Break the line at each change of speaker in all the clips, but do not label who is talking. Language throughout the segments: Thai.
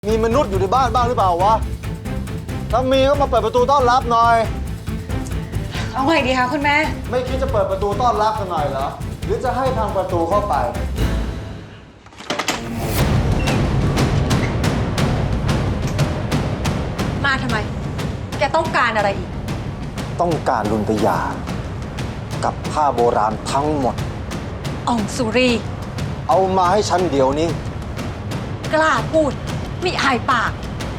มีมนุษย์อยู่ในบ้านบ้างหรือเปล่าวะถ้ามีก็มาเปิดประตูต้อนรับหน่อย
เอาไงดีคะคุณแม่
ไม่คิดจะเปิดประตูต้อนรับกันหน่อยเหรอหรือจะให้ทางประตูเข้าไป
มาทำไม แกต้องการอะไรอีก
ต้องการลุนตยากับผ้าโบราณทั้งหมด
อ่องสุรี
เอามาให้ฉันเดี๋ยวนี้
กล้าพูดไม่อายปาก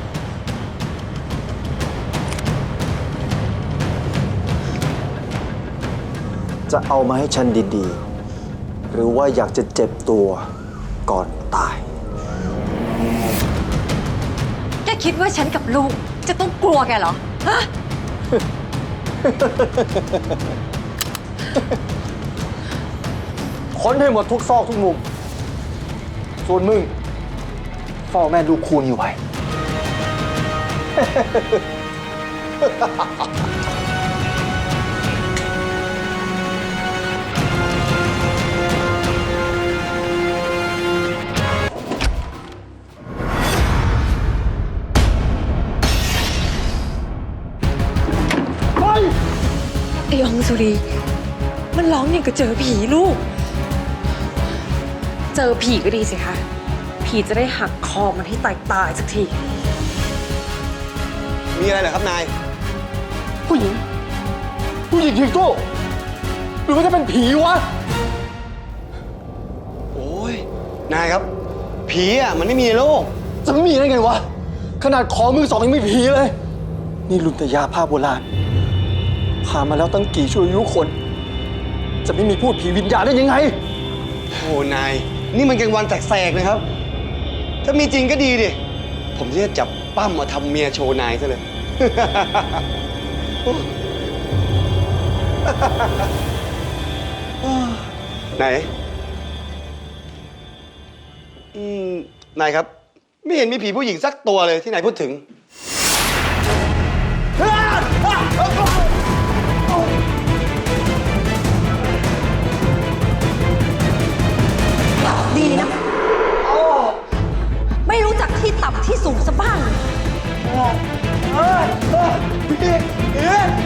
จะเอามาให้ฉันดีๆหรือว่าอยากจะเจ็บตัวก่อนตาย
แกคิดว่าฉันกับลูกจะต้องกลัวแกเหรอ ฮะ
ค้นให้หมดทุกซอกทุกมุมส่วนมึงเฝ้าแม่ดูคูนี่ไว้
ไอ้อ่องสุรี มันร้องอย่างกับเจอผีลูก เจอผีก็ดีสิคะ ผีจะได้หักคอมันให้ตายสักที
มีอะไรเหรอครับนาย
ผู้หญิงจริงตู้หรือว่าจะเป็นผีวะ
โอ้ยนายครับ ผีอ่ะมันไม่มีในโลก
จะไม่มีได้ไงวะขนาดของมือสองยังไม่ผีเลยนี่ลุนตยาผ้าโบราณผ่านมาแล้วตั้งกี่ชั่วอายุคน จะไม่มีพูดผีวิญญาณได้ยังไง
โอ้นาย นี่มันกลางวันแสกๆนะครับ ถ้ามีจริงก็ดีดิ ผมจะจับปั้มมาทำเมียโชว์นายซะเลย ไหนนายครับ ไม่เห็นมีผีผู้หญิงสักตัวเลยที่นายพูดถึง
ดีนะ ไม่รู้จักที่ต่ำที่สูงซะบ้างเลย
ผี